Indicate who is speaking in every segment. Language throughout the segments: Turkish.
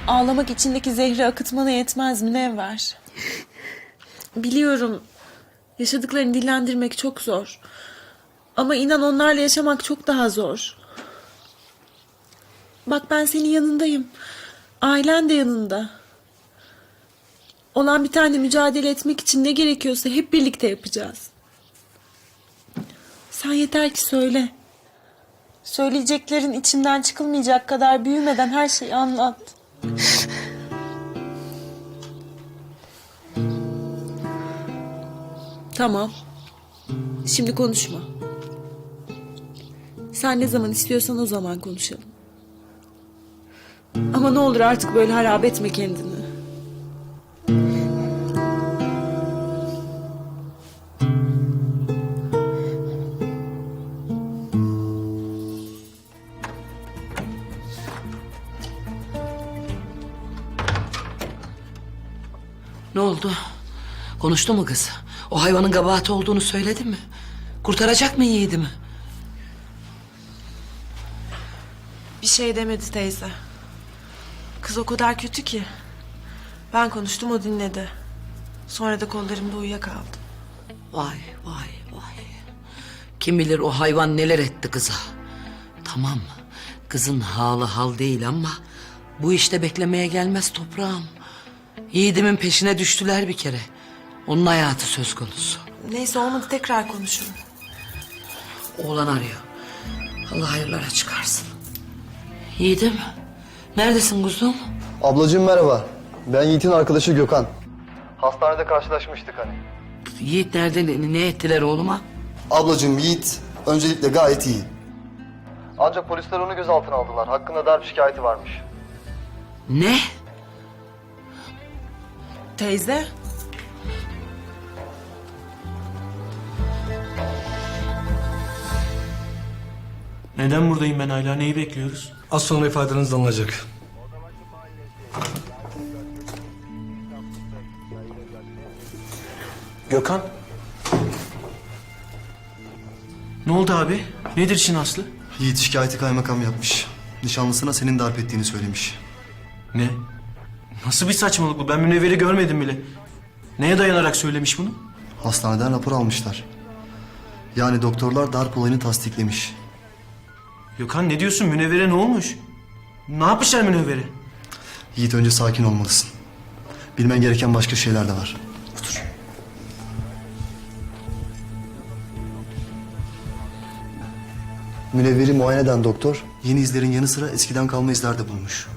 Speaker 1: Ağlamak içindeki zehri akıtmana yetmez Münevver. Biliyorum, yaşadıklarını dillendirmek çok zor. Ama inan onlarla yaşamak çok daha zor. Bak ben senin yanındayım. Ailen de yanında. Olan bir tane mücadele etmek için ne gerekiyorsa hep birlikte yapacağız. Sen yeter ki söyle. Söyleyeceklerin içinden çıkılmayacak kadar büyümeden her şeyi anlat. Tamam. Şimdi konuşma. Sen ne zaman istiyorsan o zaman konuşalım. Ama ne olur artık böyle harap etme kendini.
Speaker 2: Ne oldu? Konuştu mu kız? O hayvanın kabahati olduğunu söyledi mi? Kurtaracak mı yiğidimi?
Speaker 1: Bir şey demedi teyze. Kız o kadar kötü ki. Ben konuştum, o dinledi. Sonra da kollarımda uyuyakaldı.
Speaker 2: Vay vay vay. Kim bilir o hayvan neler etti kıza. Tamam, kızın halı hal değil ama bu işte beklemeye gelmez toprağım. Yiğidimin peşine düştüler bir kere. Onun hayatı söz konusu.
Speaker 1: Neyse olmadı, tekrar konuşurum.
Speaker 2: Oğlan arıyor. Allah hayırlara çıkarsın. Yiğidim, neredesin kuzum?
Speaker 3: Ablacığım merhaba. Ben Yiğit'in arkadaşı Gökhan. Hastanede karşılaşmıştık hani.
Speaker 2: Yiğit nerede, ne ettiler oğluma?
Speaker 3: Ablacığım Yiğit öncelikle gayet iyi. Ancak polisler onu gözaltına aldılar. Hakkında darp şikayeti varmış.
Speaker 2: Ne?
Speaker 1: Teyze?
Speaker 4: Neden buradayım ben hala? Neyi bekliyoruz?
Speaker 5: Az sonra ifadeniz alınacak.
Speaker 4: Gökhan. Ne oldu abi? Nedir işin aslı?
Speaker 3: Yiğit şikayeti kaymakam yapmış. Nişanlısına senin darp ettiğini söylemiş.
Speaker 4: Ne? Nasıl bir saçmalık bu? Ben Münevver'i görmedim bile. Neye dayanarak söylemiş bunu?
Speaker 3: Hastaneden rapor almışlar. Yani doktorlar darp olayını tasdiklemiş.
Speaker 4: Gökhan ne diyorsun? Münevver'e ne olmuş? Ne yapmışlar Münevver'e?
Speaker 3: Yiğit önce sakin olmalısın. Bilmen gereken başka şeyler de var. Otur. Münevver'i muayene eden doktor yeni izlerin yanı sıra eskiden kalma izler de bulmuş.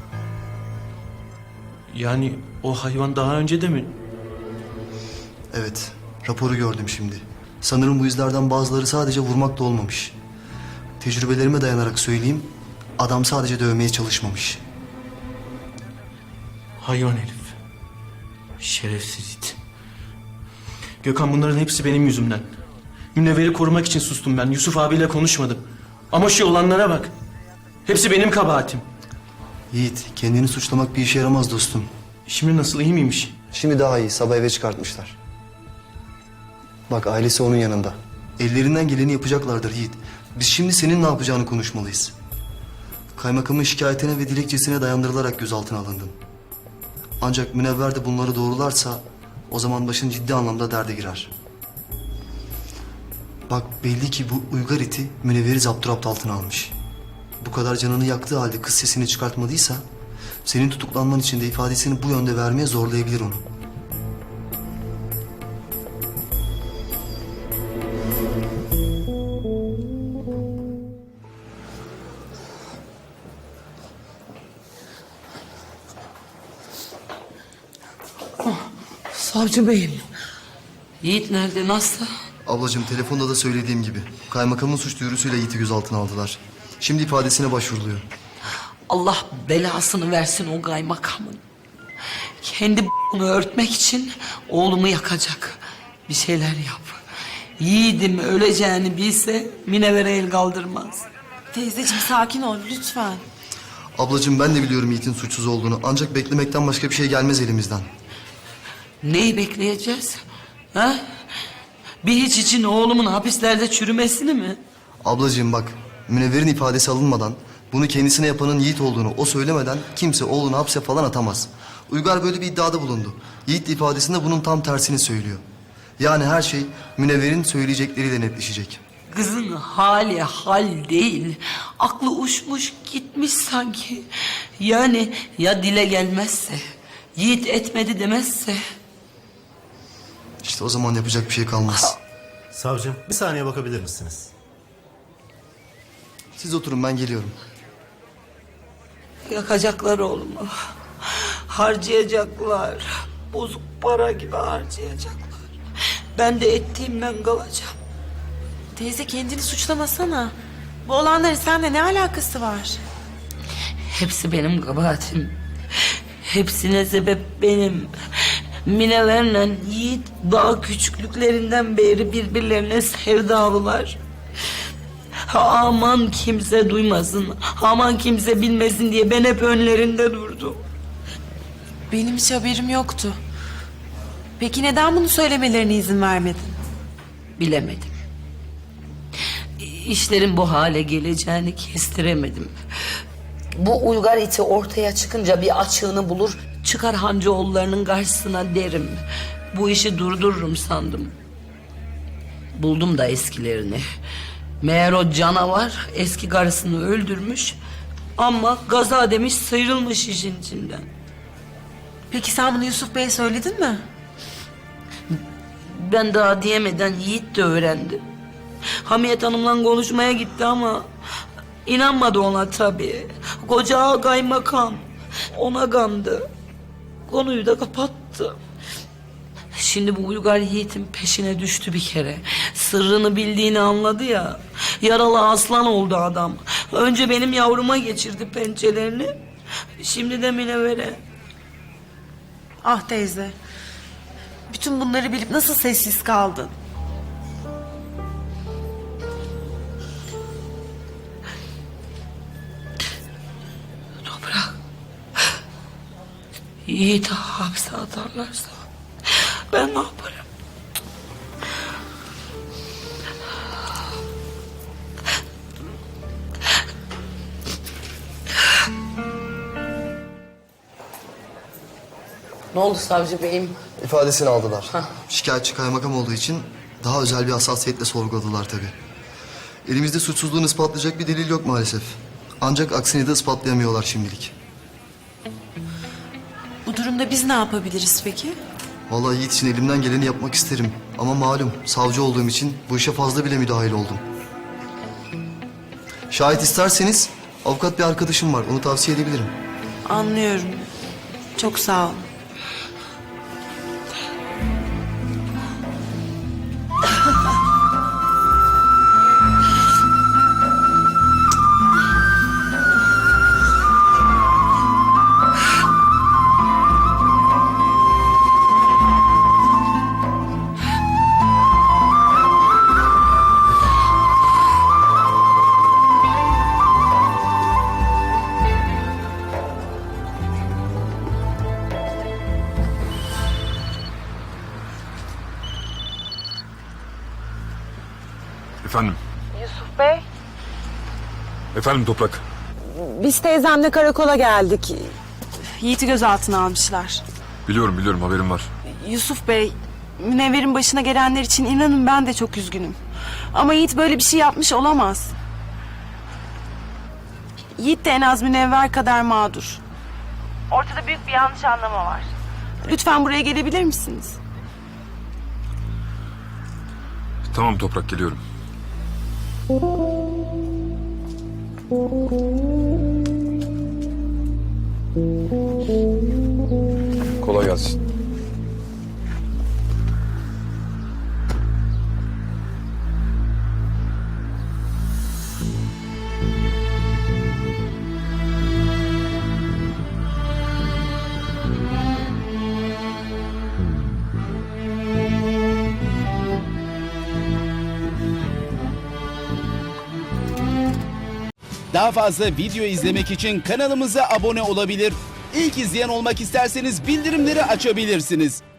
Speaker 4: Yani o hayvan daha önce de mi?
Speaker 3: Evet, raporu gördüm şimdi. Sanırım bu izlerden bazıları sadece vurmakla olmamış. Tecrübelerime dayanarak söyleyeyim, adam sadece dövmeye çalışmamış.
Speaker 4: Hayvan herif. Şerefsiz it. Gökhan bunların hepsi benim yüzümden. Münevver'i korumak için sustum ben. Yusuf abiyle konuşmadım. Ama şu olanlara bak. Hepsi benim kabahatim.
Speaker 3: Yiğit, kendini suçlamak bir işe yaramaz dostum.
Speaker 4: Şimdi nasıl, iyi miymiş?
Speaker 3: Şimdi daha iyi, sabah eve çıkartmışlar. Bak ailesi onun yanında. Ellerinden geleni yapacaklardır Yiğit. Biz şimdi senin ne yapacağını konuşmalıyız. Kaymakamın şikayetine ve dilekçesine dayandırılarak gözaltına alındın. Ancak Münevver de bunları doğrularsa o zaman başın ciddi anlamda derde girer. Bak belli ki bu uygar iti Münevver'i zapturapt altına almış. Bu kadar canını yaktığı halde kız sesini çıkartmadıysa senin tutuklanman için de ifadesini bu yönde vermeye zorlayabilir onu.
Speaker 2: Savcı beyim. Yiğit nerede, nasıl?
Speaker 3: Ablacığım telefonda da söylediğim gibi kaymakamın suç duyurusuyla Yiğit'i gözaltına aldılar. Şimdi ifadesine başvuruluyor.
Speaker 2: Allah belasını versin o kaymakamın. Kendi bunu örtmek için oğlumu yakacak. Bir şeyler yap. Yiğidim öleceğini bilse Münevver'e el kaldırmaz.
Speaker 1: Teyzeciğim sakin ol lütfen.
Speaker 3: Ablacığım ben de biliyorum Yiğit'in suçsuz olduğunu. Ancak beklemekten başka bir şey gelmez elimizden.
Speaker 2: Neyi bekleyeceğiz? Ha? Bir hiç için oğlumun hapislerde çürümesini mi?
Speaker 3: Ablacığım bak Münevver'in ifadesi alınmadan Bunu kendisine yapanın Yiğit olduğunu o söylemeden kimse oğlunu hapse falan atamaz. Uygar böyle bir iddiada bulundu. Yiğit ifadesinde bunun tam tersini söylüyor. Yani her şey Münevver'in söyleyecekleriyle netleşecek.
Speaker 2: Kızın hali hal değil. Aklı uçmuş gitmiş sanki. Yani ya dile gelmezse, Yiğit etmedi demezse.
Speaker 3: İşte o zaman yapacak bir şey kalmaz.
Speaker 6: Savcım, bir saniye bakabilir misiniz?
Speaker 3: Siz oturun, ben geliyorum.
Speaker 2: Yakacaklar oğlumu. Harcayacaklar. Bozuk para gibi harcayacaklar. Ben de ettiğimden kalacağım.
Speaker 1: Teyze kendini suçlamasana. Bu olanların seninle ne alakası var?
Speaker 2: Hepsi benim kabahatim. Hepsine sebep benim. Minelerle Yiğit daha küçüklüklerinden beri birbirlerine sevdalılar. Aman kimse duymasın, aman kimse bilmesin diye ben hep önlerinde durdum.
Speaker 1: Benim hiç haberim yoktu. Peki neden bunu söylemelerine izin vermedin?
Speaker 2: Bilemedim. İşlerin bu hale geleceğini kestiremedim. Bu Uygar iti ortaya çıkınca bir açığını bulur, çıkar Hancıoğullarının karşısına derim. Bu işi durdururum sandım. Buldum da eskilerini. Meğer o canavar eski karısını öldürmüş ama gaza demiş sıyrılmış işin içinden.
Speaker 1: Peki sen bunu Yusuf Bey'e söyledin mi?
Speaker 2: Ben daha diyemeden Yiğit de öğrendi. Hamiyet Hanım'la konuşmaya gitti ama inanmadı ona tabii. Koca kaymakam ona kandı. Konuyu da kapattı. Şimdi bu Uygar Yiğit'in peşine düştü bir kere. Sırrını bildiğini anladı ya. Yaralı aslan oldu adam. Önce benim yavruma geçirdi pençelerini. Şimdi de Münevver'e.
Speaker 1: Ah teyze. Bütün bunları bilip nasıl sessiz kaldın?
Speaker 2: Toprak. Yiğit'i hapse atarlarsa ben ne yaparım? Ne oldu savcı beyim?
Speaker 3: İfadesini aldılar. Şikayetçi kaymakam olduğu için daha özel bir hassasiyetle sorguladılar tabii. Elimizde suçsuzluğunu ispatlayacak bir delil yok maalesef. Ancak aksini de ispatlayamıyorlar şimdilik.
Speaker 1: Bu durumda biz ne yapabiliriz peki?
Speaker 3: Vallahi Yiğit için elimden geleni yapmak isterim. Ama malum savcı olduğum için bu işe fazla bile müdahil oldum. Şahit isterseniz avukat bir arkadaşım var. Onu tavsiye edebilirim.
Speaker 1: Anlıyorum. Çok sağ ol.
Speaker 7: Efendim?
Speaker 1: Yusuf Bey,
Speaker 7: Efendim Toprak?
Speaker 1: biz teyzemle karakola geldik. Yiğit'i gözaltına almışlar.
Speaker 7: Biliyorum haberim var.
Speaker 1: Yusuf Bey, Münevver'in başına gelenler için inanın ben de çok üzgünüm. Ama Yiğit böyle bir şey yapmış olamaz. Yiğit de en az Münevver kadar mağdur. Ortada büyük bir yanlış anlama var. Lütfen buraya gelebilir misiniz?
Speaker 7: Tamam Toprak, geliyorum. Kolay gelsin.
Speaker 8: Daha fazla video izlemek için kanalımıza abone olabilir. İlk izleyen olmak isterseniz bildirimleri açabilirsiniz.